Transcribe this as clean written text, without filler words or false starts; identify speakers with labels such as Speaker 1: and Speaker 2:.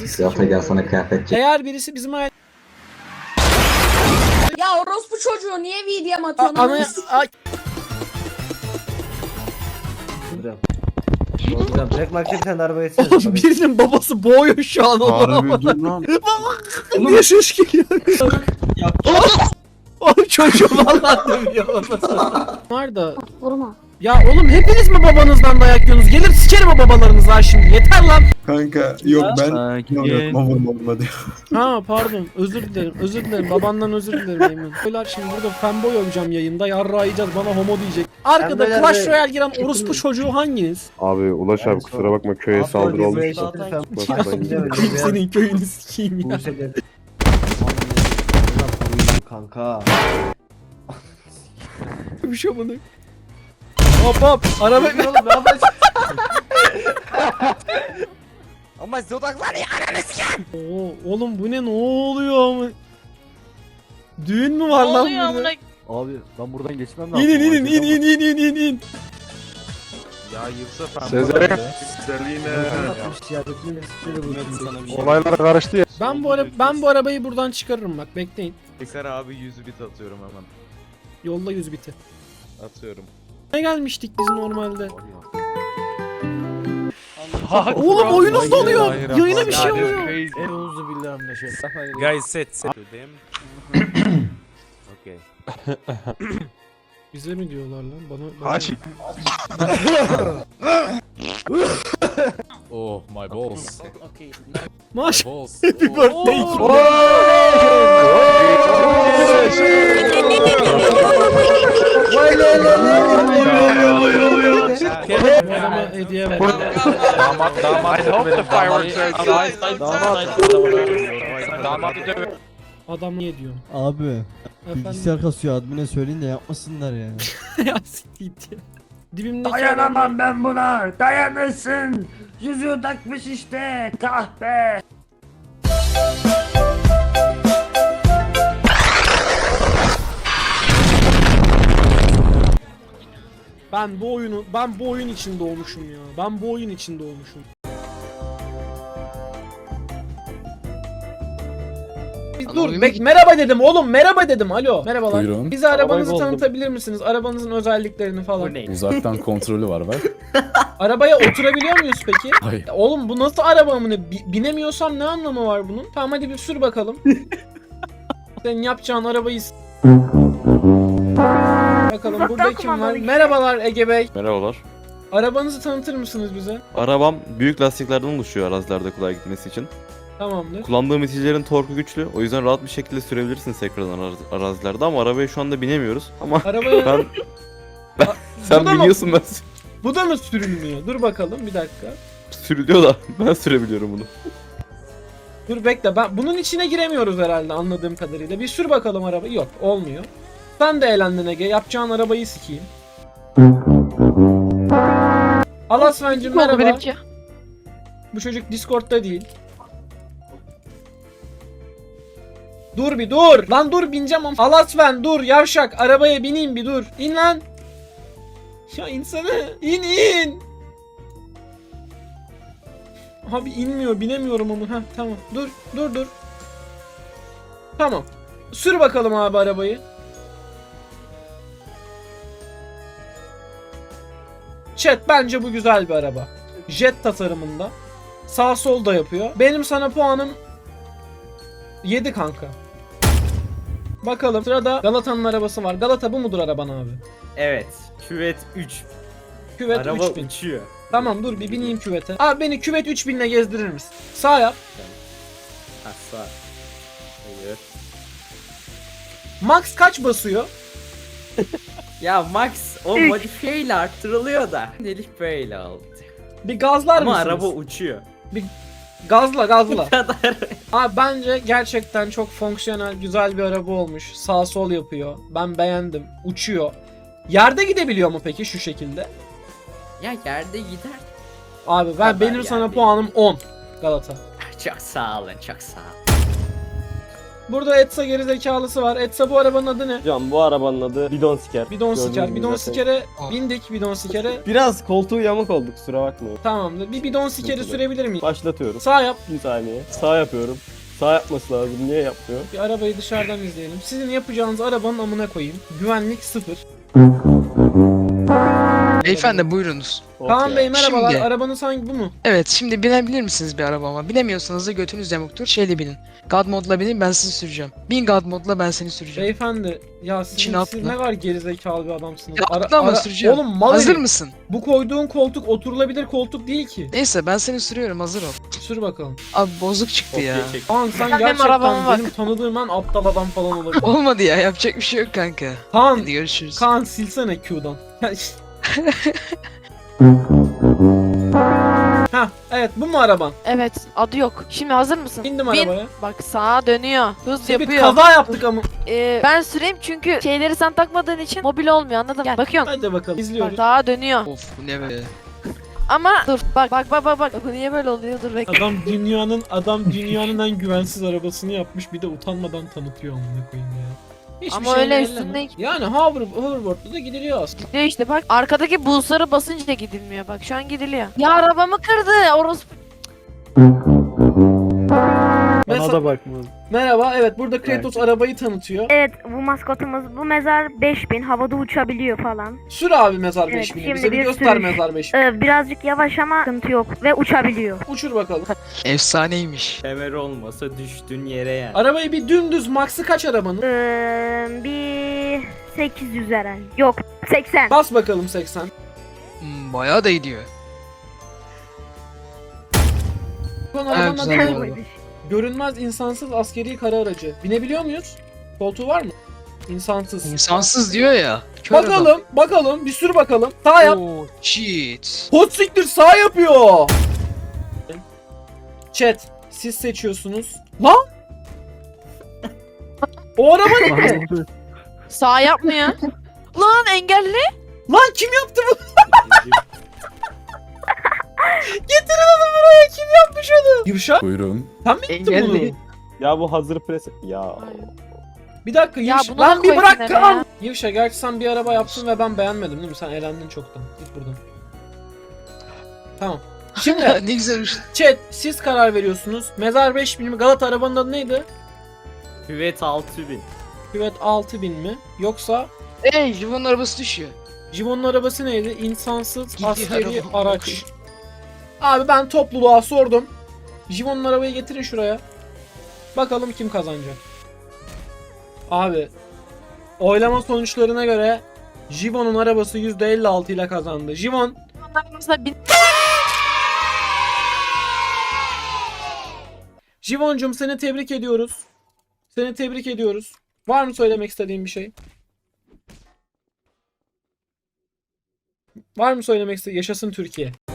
Speaker 1: Birisi
Speaker 2: Galata gel sana kıyafet çek.
Speaker 1: Eğer birisi bizim aile...
Speaker 3: Ya orospu çocuğu niye VDM atıyorsun?
Speaker 1: Ana... Ay,
Speaker 4: Hocam tek market sen araba geçsene.
Speaker 1: oğlum birinin babası boğuyor şu an onu.
Speaker 5: Harbi dur lan.
Speaker 1: Niye ses geliyor? Oğlum çocuğu valla dövüyor onu. Var da...
Speaker 3: Vurma.
Speaker 1: Ya oğlum hepiniz mi babanızdan dayak yiyorsunuz? Gelir sikerim o babalarınızı ha şimdi. Yeter lan.
Speaker 5: Kanka yok ben
Speaker 6: Sakin.
Speaker 5: vurma diyor.
Speaker 1: Ha pardon özür dilerim özür dilerim babandan özür dilerim Eymen. Beyler şimdi burada fanboy olacağım yayında yarra yiyeceğiz bana homo diyecek. Arkada
Speaker 4: Fanboylar
Speaker 1: Clash
Speaker 4: ve-
Speaker 1: Royale giren orospu çocuğu hanginiz?
Speaker 7: Abi Ulaş abi kusura bakma köye saldırı olmuş.
Speaker 1: Senin köyünü sikeyim ya.
Speaker 4: Kanka.
Speaker 1: Bir şey bunu. Hop hop araba.
Speaker 4: Oğlum ne yapacaksın?
Speaker 6: Ama size odaklan ya.
Speaker 1: Oo, oğlum bu ne oluyor ama? Düğün mü var lan burada?
Speaker 4: Abi ben buradan geçmem lazım.
Speaker 1: İnin.
Speaker 6: Ya yoksa ben
Speaker 7: Sezer. Olaylar karıştı ya.
Speaker 1: Ben bu arabayı buradan çıkarırım bak bekleyin.
Speaker 6: Tekrar abi 100 bit atıyorum hemen.
Speaker 1: Yolla 100 biti.
Speaker 6: Atıyorum.
Speaker 1: Ne gelmiştik biz normalde? Oğlum oyunuz donuyor. Yayına bir şey oluyor.
Speaker 4: Euzu billahi mineşşeytanirracim.
Speaker 6: Guys set. Okay.
Speaker 1: Bize mi diyorlar lan? Bana...
Speaker 5: Haşi.
Speaker 8: Oh my balls.
Speaker 1: Maş.
Speaker 8: Balls.
Speaker 1: Happy birthday. Adama hediye ver.
Speaker 6: Damat. I hope the fireworks are Damat.
Speaker 1: Adam niye diyor?
Speaker 9: Abi
Speaker 1: Efendim?
Speaker 9: bilgisayar kasıyor admine söyleyin de yapmasınlar ya.
Speaker 1: Ya siktir git ya. Dibimdeki
Speaker 4: Dayanamam ben buna. Dayanırsın. Yüzüğü takmış işte. Kahpe.
Speaker 1: Ben bu oyun için doğmuşum ya. Ben bu oyun için doğmuşum. Dur merhaba dedim oğlum merhaba dedim alo. Merhabalar.
Speaker 8: Buyurun.
Speaker 1: Bize arabanızı
Speaker 8: Arabayı buldum.
Speaker 1: tanıtabilir misiniz? Arabanızın özelliklerini falan.
Speaker 8: Uzaktan kontrolü var bak.
Speaker 1: Arabaya oturabiliyor muyuz peki?
Speaker 8: Hayır.
Speaker 1: Ya oğlum bu nasıl araba amına? Binemiyorsam ne anlamı var bunun? Tamam hadi bir sür bakalım. Senin yapacağın arabayı bakalım burada kim var? Merhabalar Ege Bey.
Speaker 10: Merhabalar.
Speaker 1: Arabanızı tanıtır mısınız bize?
Speaker 10: Arabam büyük lastiklerden oluşuyor arazilerde kolay gitmesi için.
Speaker 1: Tamamdır.
Speaker 10: Kullandığım iticilerin torku güçlü. O yüzden rahat bir şekilde sürebilirsiniz tekrardan arazilerde ama arabaya şu anda binemiyoruz. Ama
Speaker 1: Arabaya...
Speaker 10: ben
Speaker 1: Bu
Speaker 10: sen
Speaker 1: da mı-
Speaker 10: biniyorsun ben
Speaker 1: Bu da mı sürülmüyor? Dur bakalım bir dakika.
Speaker 10: sürülüyor da ben sürebiliyorum bunu.
Speaker 1: Dur bekle ben bunun içine giremiyoruz herhalde anladığım kadarıyla. Bir sür bakalım araba. Yok olmuyor. Sen de eğlendin Ege. Yapacağın arabayı sikeyim. Alasvencim merhaba. Bu çocuk Discord'da değil. Dur bir dur. Lan dur bineceğim ama. Alasven dur yavşak. Arabaya bineyim bir dur. İn lan. Ya insana. İn. Abi inmiyor binemiyorum ama. Heh tamam. Dur. Tamam. Sür bakalım abi arabayı. Chat bence bu güzel bir araba. Jet tasarımında. Sağ sol da yapıyor. Benim sana puanım 7 kanka. Bakalım sırada Galata'nın arabası var. Galata bu mudur araban abi?
Speaker 6: Evet. Küvet 3.
Speaker 1: Küvet
Speaker 6: Araba
Speaker 1: 3000.
Speaker 6: uçuyor.
Speaker 1: Tamam dur bir bineyim küvete. Abi beni küvet 3000 ile gezdirir misin? Sağ yap.
Speaker 6: Ha sağ. Hayır.
Speaker 1: Max kaç basıyor?
Speaker 6: Ya Max o modifiyeyle arttırılıyor da. Elif böyle oldu.
Speaker 1: Bir gazlar
Speaker 6: Ama
Speaker 1: mısınız?
Speaker 6: araba uçuyor.
Speaker 1: Gazla.
Speaker 6: kadar.
Speaker 1: Abi bence gerçekten çok fonksiyonel güzel bir araba olmuş. Sağ sol yapıyor. Ben beğendim. Uçuyor. Yerde gidebiliyor mu peki şu şekilde?
Speaker 6: Ya yerde gider.
Speaker 1: Abi
Speaker 6: Kadar
Speaker 1: benim sana
Speaker 6: yani.
Speaker 1: puanım 10 Galata.
Speaker 6: Çok sağ olun, çok sağ olun.
Speaker 1: Burada Etsa gerizekalısı var. Etsa bu arabanın adı ne?
Speaker 2: Hocam bu arabanın adı bidon siker.
Speaker 1: Bidon
Speaker 2: Gördüğünüz
Speaker 1: siker.
Speaker 2: gibi
Speaker 1: Bidon
Speaker 2: zaten.
Speaker 1: sikere bindik bidon sikere.
Speaker 2: Biraz koltuğu yamuk oldu, kusura bakmayın.
Speaker 1: Tamamdır. Bir bidon sikeri
Speaker 2: Sıkıntı
Speaker 1: sürebilir miyim?
Speaker 2: Başlatıyorum.
Speaker 1: Sağ yap.
Speaker 2: Bir saniye. Sağ yapıyorum. Sağ yapması lazım. Niye yapmıyor?
Speaker 1: Bir arabayı dışarıdan izleyelim. Sizin yapacağınız arabanın amına koyayım. Güvenlik 0.
Speaker 11: Beyefendi buyurunuz.
Speaker 1: Kaan Bey merhabalar.
Speaker 11: Şimdi-
Speaker 1: Arabanız hangi bu mu?
Speaker 11: Evet şimdi binebilir misiniz bir arabama? Binemiyorsanız da götünüz yamuktur. Şeyle binin. God modla binin ben sizi süreceğim. Bin God modla ben seni süreceğim.
Speaker 1: Beyefendi ya
Speaker 11: İçine
Speaker 1: siz
Speaker 11: atla.
Speaker 1: ne kadar gerizekalı bir adamsınız.
Speaker 11: Ya atlama, süreceğim.
Speaker 1: Oğlum mal
Speaker 11: Hazır
Speaker 1: herif.
Speaker 11: mısın?
Speaker 1: Bu koyduğun koltuk oturulabilir koltuk değil ki.
Speaker 11: Neyse ben seni sürüyorum hazır ol.
Speaker 1: Sür bakalım.
Speaker 11: Abi bozuk çıktı ya.
Speaker 2: Kopya çek.
Speaker 1: Kaan sen
Speaker 3: Benim
Speaker 1: gerçekten
Speaker 3: arabama bak.
Speaker 1: benim tanıdığım en aptal adam falan olabilir.
Speaker 11: Olmadı ya yapacak bir şey yok kanka.
Speaker 1: Kaan,
Speaker 11: Hadi görüşürüz.
Speaker 1: Kaan silsene Q'dan. Ha evet bu mu araban?
Speaker 3: Evet adı yok. Şimdi hazır mısın?
Speaker 1: İndim
Speaker 3: Bin.
Speaker 1: arabaya.
Speaker 3: Bak sağa dönüyor. Hız
Speaker 1: Bir
Speaker 3: yapıyor.
Speaker 1: kaza yaptık ama.
Speaker 3: Ben süreyim çünkü şeyleri sen takmadığın için mobil olmuyor anladın mı? Gel bakıyorsun.
Speaker 1: Hadi bakalım
Speaker 3: Bak
Speaker 1: izliyoruz.
Speaker 3: sağa dönüyor.
Speaker 11: Of bu ne be.
Speaker 3: Ama dur bak. Bu niye böyle oluyor? Dur bekle.
Speaker 1: Adam dünyanın en güvensiz arabasını yapmış bir de utanmadan tanıtıyor amına koyayım ya. Hiçbir
Speaker 3: Ama
Speaker 1: şey
Speaker 3: öyle
Speaker 1: elleme.
Speaker 3: üstünde-
Speaker 1: Yani hoverboard'da da gidiliyor aslında.
Speaker 3: Gidiyor işte bak. Arkadaki buzlara basınca gidilmiyor. Bak şu an gidiliyor. Ya arabamı kırdı. Orospu.
Speaker 1: Mesela-
Speaker 2: da bakma.
Speaker 1: Merhaba evet burada Kratos arabayı tanıtıyor.
Speaker 12: Evet bu maskotumuz bu mezar 5000 havada uçabiliyor falan.
Speaker 1: Sür abi mezar
Speaker 12: Evet,
Speaker 1: 5000'i
Speaker 12: şimdi
Speaker 1: bize bir
Speaker 12: bir
Speaker 1: göster
Speaker 12: sürüş.
Speaker 1: mezar 5000'i.
Speaker 12: Birazcık yavaş ama sıkıntı yok ve uçabiliyor.
Speaker 1: Uçur bakalım.
Speaker 11: Efsaneymiş.
Speaker 6: Kemer olmasa düştün yere yani.
Speaker 1: Arabayı bir dümdüz max'ı kaç arabanın?
Speaker 12: Bir 800 herhalde. Yok 80.
Speaker 1: Bas bakalım 80.
Speaker 11: Bayağı da gidiyor.
Speaker 1: Son arabanın
Speaker 11: güzel
Speaker 1: adı
Speaker 11: bu
Speaker 1: ne?
Speaker 11: arada.
Speaker 1: Görünmez insansız askeri kara aracı. Binebiliyor muyuz? Koltuğu var mı? İnsansız.
Speaker 11: İnsansız diyor ya. Kör adam.
Speaker 1: Bakalım bir sür bakalım. Sağ yap.
Speaker 11: Oo, shit.
Speaker 1: Hot siktir sağ yapıyor. Chat siz seçiyorsunuz. Lan! O araba ne?
Speaker 3: Sağ yapmıyor. Lan engelli.
Speaker 1: Lan kim yaptı bu? Getirin onu buraya. Kim yapmış onu? Yuşa
Speaker 8: Buyurun.
Speaker 1: sen mi yaptın bunu?
Speaker 11: Engelli.
Speaker 2: Ya bu hazır pres... Ya.
Speaker 1: Bir dakika
Speaker 3: Ya
Speaker 1: Yuşa.
Speaker 3: bunu da
Speaker 1: Lan bir
Speaker 3: koy
Speaker 1: bırak
Speaker 3: kenara
Speaker 1: Kaan.
Speaker 3: ya.
Speaker 1: Yuşa gerçi sen bir araba yaptın ve ben beğenmedim değil mi? Sen elendin çoktan. Git buradan. Tamam. Şimdi
Speaker 11: Ne güzelmiş.
Speaker 1: chat siz karar veriyorsunuz. Mezar 5000 mi? Galata arabanın adı neydi?
Speaker 6: Küvet 6000.
Speaker 1: Küvet 6000 mi? Yoksa
Speaker 11: Jivan'ın arabası düşüyor.
Speaker 1: Jivo'nun arabası neydi? İnsansız
Speaker 11: Gidiyor
Speaker 1: askeri
Speaker 11: araba.
Speaker 1: araç. Abi ben topluluğa sordum. Jivo'nun arabayı getirin şuraya. Bakalım kim kazanacak. Abi oylama sonuçlarına göre Jivo'nun arabası %56 ile kazandı. Jivon
Speaker 3: Mesela bin...
Speaker 1: Jivoncum seni tebrik ediyoruz. Seni tebrik ediyoruz. Var mı söylemek istediğin bir şey? Var mı söylemek istediğin? Yaşasın Türkiye.